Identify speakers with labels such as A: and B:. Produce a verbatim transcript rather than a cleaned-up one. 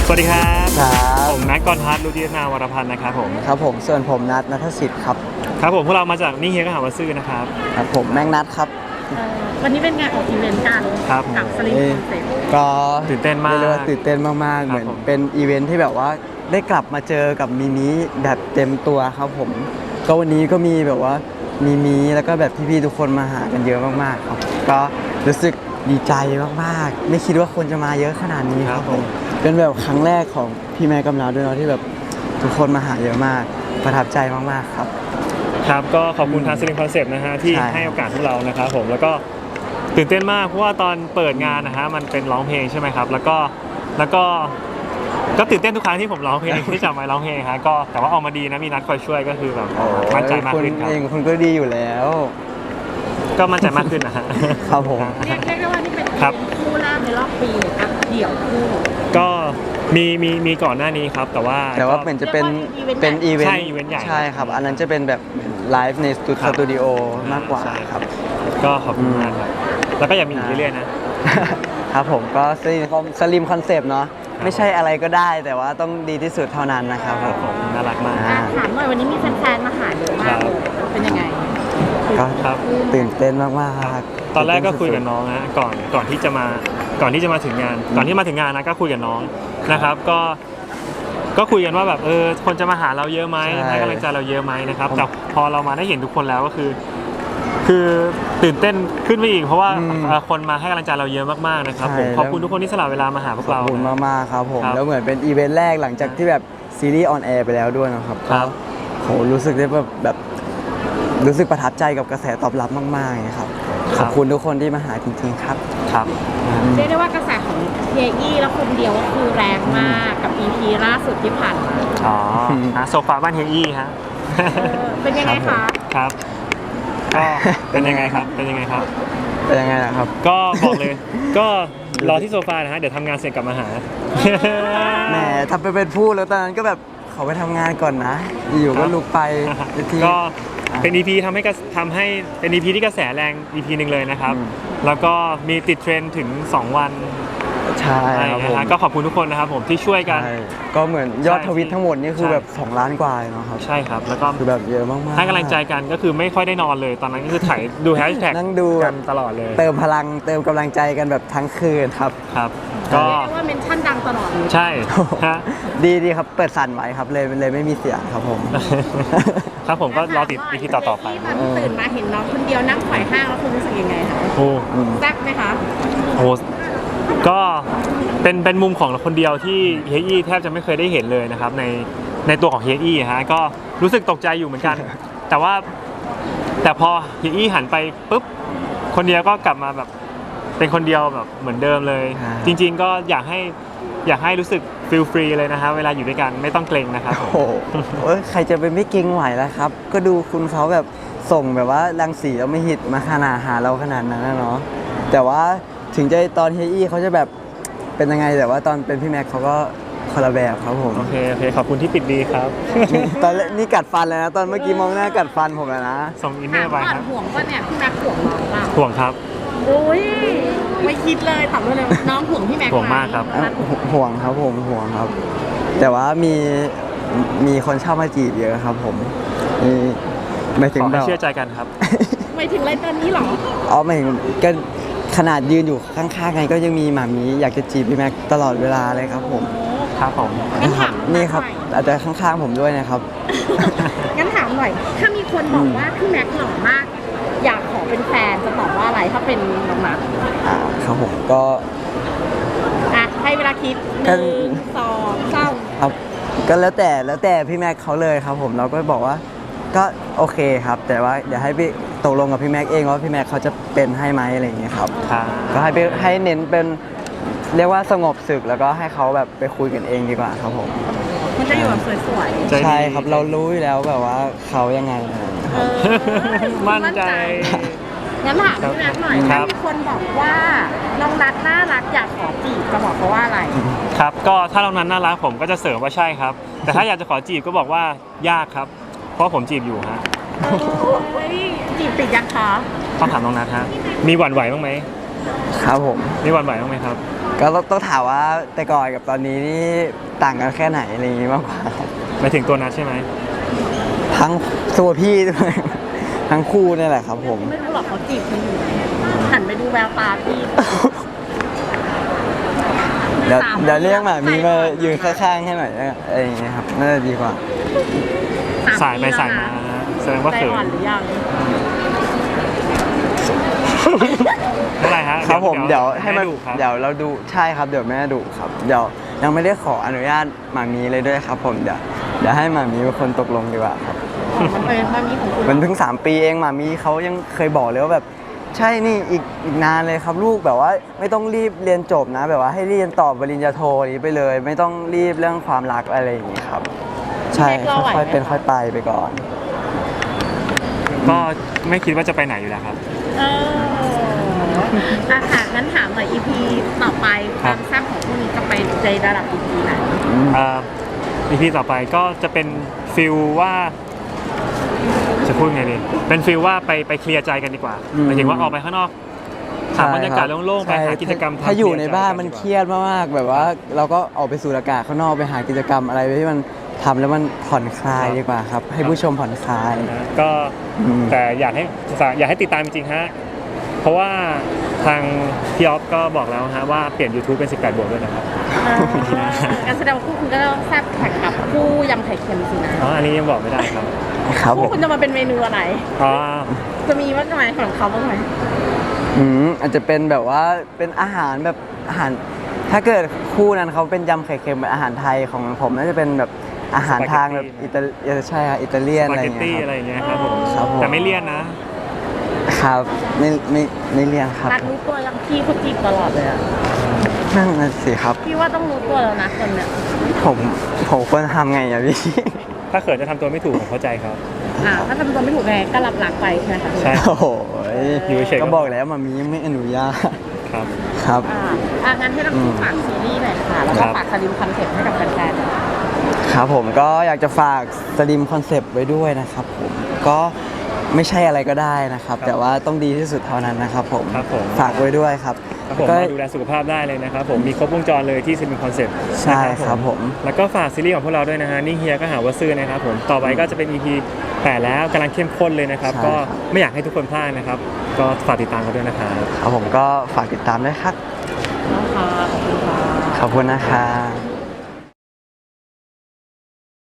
A: สวัสดีครับ
B: ครับ
A: ผมแม็กกรพัฒน์รุจิรนาวรพันธ์นะครับผม
B: ครับผมส่วนผมนัทนัทสิทธิ์ครับ
A: ครับผมพวกเรามาจากนี่เฮียก็หาว่าซื่อนะครับ
B: ครับผมแม็กนัทครับ
C: วันนี้เป็นงานออกอีเวนต์กัน
A: ครับ
C: กับสลิมคอนเซ็ปต์
B: ก็
A: ตื่นเต้นมาก
B: เรียกว่าตื่นเต้นมากๆเหมือนเป็นอีเวนท์ที่แบบว่าได้กลับมาเจอกับมิมิแบบเต็มตัวครับผมก็วันนี้ก็มีแบบว่ามิมิแล้วก็แบบพี่ๆทุกคนมาหากันเยอะมากๆครับก็รู้สึกดีใจมากๆไม่คิดว่าคนจะมาเยอะขนาดนี้ครับผมเป็นแบบครั้งแรกของพี่แม่กำลังด้วยเนาะที่แบบทุกคนมาหาเยอะมากประทับใจมากๆครับ
A: ครับก็ขอบคุณทางสลิมคอนเซปต์นะฮะที่ให้โอกาสพวกเรานะครับผมแล้วก็ตื่นเต้นมากเพราะว่าตอนเปิดงานนะฮะมันเป็นร้องเพลงใช่ไหมครับแล้วก็แล้วก็ก็ตื่นเต้นทุกครั้งที่ผมร้องเพลงที่จับไมค์ร้องเพลงฮะก็แต่ว่าออกมาดีนะมีนัดคอยช่วยก็คือแบบมั่นใจมากขึ้นครับ
B: เองคุณก็ดีอยู่แล้ว
A: ก็มั่นใจมากขึ้นนะฮะ
B: ครับผม
C: เรียกได้ว่านี่เป็นคู่แรกในรอบปีเลยครับเดี่ยวคู่
A: ก็มีมีมีก่อนหน้านี้ครับแต่ว่า
B: แต่ว่าเป็นจะเป็นเป็นอีเวนต์
A: ใช่อีเวนต์ใหญ่
B: ใช่ครับอันนั้นจะเป็นแบบไลฟ์ในสตูดิโอมากกว่าครับ
A: ก็ขอบคุณมากครับแล้วก็อยากมีอีกเรื่อยๆนะครับ
B: ผมก็สลิมสลิมคอนเซปต์เนาะไม่ใช่อะไรก็ได้แต่ว่าต้องดีที่สุดเท่านั้นนะครับ
A: ผมน่ารักมาก
C: ถามหน่อยวันนี้มีแฟนๆมาหาเยอะมากเลยเป็นยังไง
B: ก็ตื่นเต้นมาก
A: ๆตอนแรกก็คุยกับน้องนะก่อนก่อนที่จะมาก่อนที่จะมาถึงงานก่อนที่มาถึงงานนะก็คุยกับน้องนะครับก็ก็คุยกันว่าแบบเออคนจะมาหาเราเยอะไหมให้กำลังใจเราเยอะไหมนะครับแต่พอเรามาได้เห็นทุกคนแล้วก็คือคือตื่นเต้นขึ้นไปอีกเพราะว่าคนมาให้กำลังใจเราเยอะมากๆนะครับผมขอบคุณทุกคนที่สละเวลามาหาพวกเรา
B: ขอบคุณมากๆครับผมแล้วเหมือนเป็นอีเวนต์แรกหลังจากที่แบบซีรีส์ออนแอร์ไปแล้วด้วยนะครับก็โหรู้สึกได้แบบแบบรู้สึกประทับใจกับกระแสตอบรับมากๆครับขอบคุณทุกคนที่มาหาจริงๆครับ
A: ครับ
C: เรียกได้ว่ากระแสของเฮียอี้แล้วคนเดียวก็คือแรงมากกับ อี พี ล่าสุดที่ผ่านมา
A: อ๋อโซฟาบ้านเฮียอี้ฮะ
C: เป็นยังไงคะ
A: ครับก็เป็นยังไงครับเป็นยังไงครับ
B: เป็นยังไงล่ะครับ
A: ก็บอกเลยก็รอที่โซฟานะฮะเดี๋ยวทำงานเสร็จกลับมาหา
B: แหมทำไปเป็นพูดแล้วตอนนั้นก็แบบเขาไปทำงานก่อนนะอยู่ก็ลุกไป
A: ก็เป็น อี พี ทำให้ทำให้เป็น อี พี ที่กระแสแรง อี พี หนึ่งเลยนะครับแล้วก็มีติดเทรนด์ถึงสองวัน
B: ใช่ครับผม
A: ก็ขอบคุณทุกคนนะครับผมที่ช่วยกัน
B: ก็เหมือนยอดทวิตทั้งหมดนี่คือแบบสองล้านกว่าเนาะครับ
A: ใช่ครับแล้วก็
B: คือแบบเยอะมากๆ
A: ให้กำลังใจกันก็คือไม่ค่อยได้นอนเลยตอนนั้นก็คือถ่ายดูแฮชแท็ก
B: นั่งดู
A: กันตลอดเลย
B: เติมพลังเติมกำลังใจกันแบบทั้งคืนครับ
A: ครับ
C: ก็เรียกว่าเมนชั่นดังตลอด
A: ใช่
B: ดีดีครับเปิดสั่นไว้ครับเลยเลยไม่มีเสียงครับผม
A: ครับผมก็รอติด อี พี ต่อๆไป
C: ตื่นมาเห็นน้องคนเดียวนั่งไขว่ห้างแล้วคุณรู้สึกยังไงคะ
A: โอ้
C: แซ่บไหมคะ
A: โอ้ก็เป็นเป็นมุมของคนเดียวที่เฮียอี้แทบจะไม่เคยได้เห็นเลยนะครับในในตัวของเฮียอี้ฮะก็รู้สึกตกใจอยู่เหมือนกันแต่ว่าแต่พอเฮียอี้หันไปปุ๊บคนเดียวก็กลับมาแบบเป็นคนเดียวแบบเหมือนเดิมเลยจริงๆก็อยากให้อยากให้รู้สึกฟีลฟรีเลยนะฮะเวลาอยู่ด้วยกันไม่ต้องเกรงนะครับ
B: โอ้โหใครจะไปไม่เกรงไหวแล้วครับก็ดูคุณเขาแบบส่งแบบว่ารังสีแล้วไม่หิดมาขนาดหาเราขนาดนั้นนะเนาะแต่ว่าถึงจะตอนเฮียอี้เขาจะแบบเป็นยังไงแต่ว่าตอนเป็นพี่แม็กเขาก็คนละแบบครับผม
A: โอเคโอเคขอบคุณที่ปิดดีครับ
B: ตอนนี่กัดฟันเลยนะตอนเมื่อกี้มองหน้ากัดฟันผมแล้วนะ
A: ส่งอินเนอร์ไปครับ
C: ห่วงป่ะเนี่ยพี่แม็กห่วงน้องป่ะ
A: ห่วงครับ
C: โอ้ยไม่คิดเลยตอบเลยน้องห่วงพี่แม็ก
A: ห่วงมากครับ
B: ห่วงครับผมห่วงครับแต่ว่ามีมีคนเช่ามาจีบเยอะครับผมมีไม่ถึง
A: แบบเชื่อใจกันครับ
C: ไม่ถึงอะไรตอนนี้หรอ
B: อ๋อไม่ถึงก็ขนาดยืนอยู่ข้างๆไงก็ยังมีหมามีอยากจะจีบพี่แม็กตลอดเวลาเลยครับผม
A: ครับผม
B: นี่ครับอาจจะข้างๆผมด้วยนะครับ
C: งั้นถามหน่อยถ้ามีคนบอกว่าพี่แม็กหล่อมากอยากขอเป็นแฟนจะตอบว่าอะไรถ้าเป็นน้องนัท
B: อ่าครับผมก็
C: อ่ะให้เวลาคิดหนึ่งสองสาม
B: ครับก็แล้วแต่แล้วแต่พี่แม็กเขาเลยครับผมเราก็บอกว่าก็โอเคครับแต่ว่าเดี๋ยวให้พี่ตกลงกับพี่แม็กเองว่าพี่แม็กเขาจะเป็นให้ไหมอะไรอย่างเงี้ยครับก็ให้ให้เน้นเป็นเรียกว่าสงบศึกแล้วก็ให้เขาแบบไปคุยกันเองดีกว่าครับผม
C: มันจะอยู่แบบสวย
B: ๆใช่ครับเรารู้อยู่แล้วแบบว่าเขายังไง
A: มั่นใจ
C: งั้นถามพี่แม็กหน่อยถ้ามีคนบอกว่าน้องนัทน่ารักอยากขอจีบจะบอกเขาว่าอะไร
A: ครับก็ถ้าน้องนัทน่ารักผมก็จะเสริมว่าใช่ครับแต่ถ้าอยากจะขอจีบก็บอกว่ายากครับเพราะผมจีบอยู่ฮะ
C: จีบติดยังคะ
A: ต้องถามน้องนัทฮะมีหวั่นไหวบ้างไหม
B: ครับผม
A: มีหวั่นไหวบ้างไหมครับ
B: ก็ต้องต้องถามว่าแต่ก่อนกับตอนนี้นี่ต่างกันแค่ไหนอะไรอย่างงี้มากกว่าครับ
A: หมายถึงตัวนัดใช่ไหม
B: ทั้งตัวพี่ด้วย ทั้งคู่นี่แหละครับผม
C: ไม่รู้หรอกเขาจีบมันอยู่หันไปดูแววตาพี่
B: เดี๋ยว
C: สาม
B: เดี๋ยวเรียกหมามีมา
C: ใส่ก่อน
B: ยืนข้างๆให้หน่อยนะอะไรอย่างเงี้ยครับน่าจะดีกว่า
A: สายไปสายมาแสดงว่า
C: ใจ
A: เขิน
C: อ่อนหรือยัง
A: เมื่อไหรฮะ
B: ครับผมเดี๋ยวให้มัน
A: แดุครับ
B: เดี๋ยวเราดูใช่ครับเดี๋ยวแม่ดุครับเดี๋ยวยังไม่ได้ขออนุญาตหมามีเลยด้วยครับผมเดี๋ยวเดี๋ยวให้หมามีเป็นคนตกลงดีกว่าครับ
C: มันเป็นมันมีของคุณ
B: มันเพิ่งสามปีเองหมามีเขายังเคยบอกเลยว่าแบบใช่นี่อีกอีกนานเลยครับลูกแบบว่าไม่ต้องรีบเรียนจบนะ แบบว่าให้เรียนต่อปริญญาโทนี้ไปเลย ไม่ต้องรีบเรื่องความรักอะไรอย่างนี้ครับ ใช่ค่อยๆเป็นค่อยไปไปก่อน
A: ก็ไม่คิดว่าจะไปไหนอยู่แล้วครับ
C: เอออะค่ะงั้นถามหน่อย อี พี ต่อไปค
A: ครั
C: วา
A: บ
C: มแซ่บของพวกนี้จะไปในระดับ อี พี ไหน
A: อ่า อี พี ต่อไปก็จะเป็นฟิลว่า จะพูดไงดีเป็นฟิลว่าไปไปเคลียร์ใจกันดีกว่า
B: อืม
A: หมายถึงว่าออกไปข้างนอกหาบรรยากาศโล่งๆไปหากิจกรรมทำ
B: ถ้าอยู่ใน
A: เคลีร์ใจ
B: บ้านมัน
A: ดีกว่
B: เครียดมากๆแบบว่าเราก็ออกไปสูดอากาศข้างนอกไปหากิจกรรมอะไรที่มันทำแล้วมันผ่อนคลายดีกว่าครับ ให้ผู้ชมผ่อนคลาย
A: นะก็
B: อืม
A: แต่อยากให้อยากให้ติดตามจริงๆฮะเพราะว่าทางพี่ออฟก็บอกแล้วฮะว่าเปลี่ยน YouTube เป็น สิบแปด บวกด้วยนะครับ
C: เออการแสดงว่าคู่คุณก็ต้องแซ่บแข่งกับคู่ยำไข่เค็มสินะ
A: อ๋ออันนี้ยังบอกไม่ได้ครับ
B: ครับผ
C: คู่
B: ม
C: คุณจะมาเป็นเมนูอะไร
A: อ๋อ
C: จะมีบ้างไหมของเขาบ้างไหม
B: อืมอาจจะเป็นแบบว่าเป็นอาหารแบบอาหาร ถ้าเกิดคู่นั้นเขาเป็นยำไข่เค็มเป็นอาหารไทยของผมน่าจะเป็นแบบอาหารทางแบบอิตาเออใช่ครับอิตาเลียน
A: ส
B: อะ
A: ปา
B: ไรอ
A: เกต
B: ย่าง
A: ตี้
B: เงี้ย
A: อะไร
B: ครับ
A: อย่างเงี้ยครับผม
B: ครับผม
A: แต่ไม่เลี่ยนนะ
B: ครับไม่ไม่ไม่เลี่ยนครับ
C: นัดรู้ตัวยังพี่เขาจีบตลอดเลยอะ
B: นั่นน่ะสิครับ
C: พี่ว่าต้องรู้ตัวแล้วนะคนเนี้ย
B: ผมผมควรทำไงอะพี่
A: ถ้าเขินจะทำตัวไม่ถูกผมเข้าใจครับ
C: อ่าถ้าทำตัวไม่ถูกไงก็รับหลักไปใช่ไหมคะ
A: ใช่
B: โอ้โห
A: อยู่เฉยๆก็
B: ก็บอกแล้วมามียังไม่อนุญาต
A: ครับ
B: ครับ
C: อ่าอ่างั้นให้เราคู่ฝากซีรีส์หน่อยค่ะแล้ว
A: ค
C: ก็
A: รับ
C: ฝากสลิมคอนเซ็ปต์ให้กับแฟนๆหน่อย
B: ครับผมก็อยากจะฝากสลิมคอนเซปต์ไว้ด้วยนะครับผมก็ไม่ใช่อะไรก็ได้นะครับ แต่ว่าต้องดีที่สุดเท่านั้นนะครับผม
A: ครับผม
B: ฝากไว้ด้วยครับ
A: ครับผม
B: ก็
A: มาดูแลสุขภาพได้เลยนะครับผมมีครบวงจรเลยที่ซิมิคอนเซ็ปต์
B: ใช่ครับผม
A: แล้วก็ฝากซีรีส์ของพวกเราด้วยนะฮะนิ่งเฮียก็หาว่าซื้อนะครับผมต่อไปก็จะเป็น อี พี แปดแล้วกำลังเข้มข้นเลยนะครับ
B: ใช่
A: ก็
B: ครับ
A: ไม่อยากให้ทุกคนพลาดนะครับ ก็ฝากติดตามกันด้วยนะครับ
B: ครับผมก็ฝากติดตามด้วยครับ
C: นะคะขอบคุณค่ะ
B: ขอบคุณนะครับ